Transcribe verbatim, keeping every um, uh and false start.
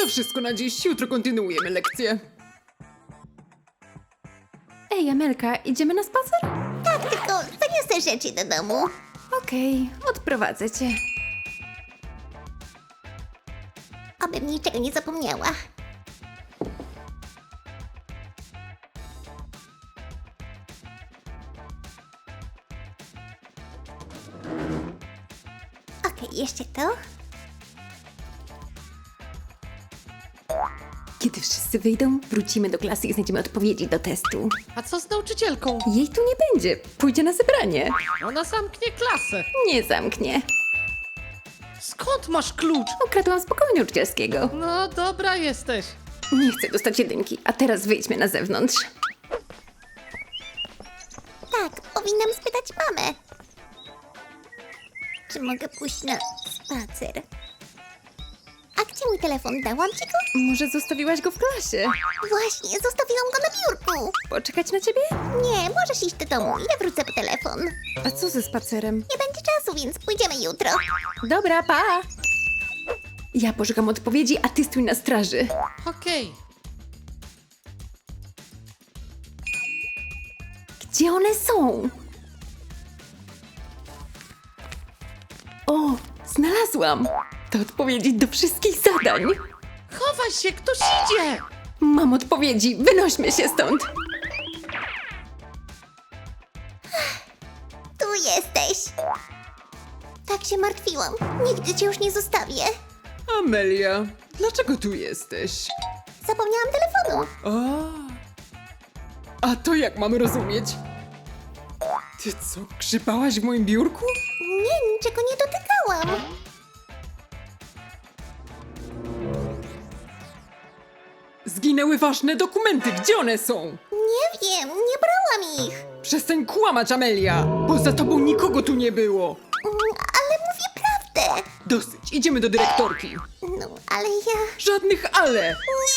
To wszystko na dziś, jutro kontynuujemy lekcję. Ej, Amelka, idziemy na spacer? Tak, tylko zaniosę rzeczy do domu. Okej, odprowadzę cię. Abym niczego nie zapomniała. Okej, jeszcze to. Kiedy wszyscy wyjdą, wrócimy do klasy i znajdziemy odpowiedzi do testu. A co z nauczycielką? Jej tu nie będzie, pójdzie na zebranie. Ona zamknie klasę. Nie zamknie. Skąd masz klucz? Ukradłam z pokoju nauczycielskiego. No dobra jesteś. Nie chcę dostać jedynki, a teraz wyjdźmy na zewnątrz. Tak, powinnam spytać mamę. Czy mogę pójść na spacer? A gdzie mój telefon? Dałam ci go? Może zostawiłaś go w klasie? Właśnie, zostawiłam go na biurku. Poczekać na ciebie? Nie, możesz iść do domu. Ja wrócę po telefon. A co ze spacerem? Nie będzie czasu, więc pójdziemy jutro. Dobra, pa! Ja poszukam odpowiedzi, a ty stój na straży. Okej. Gdzie one są? O, znalazłam! To odpowiedzi do wszystkich zadań. Chowaj się, ktoś idzie! Mam odpowiedzi, wynośmy się stąd. Tu jesteś. Tak się martwiłam. Nigdy cię już nie zostawię. Amelia, dlaczego tu jesteś? Zapomniałam telefonu. A, a to jak mamy rozumieć? Ty co, grzybałaś w moim biurku? Nie, niczego nie dotykałam. Zginęły ważne dokumenty, gdzie one są? Nie wiem, nie brałam ich. Przestań kłamać, Amelia! Poza tobą nikogo tu nie było! Mm, Ale mówię prawdę. Dosyć, idziemy do dyrektorki. No, ale ja... Żadnych ale!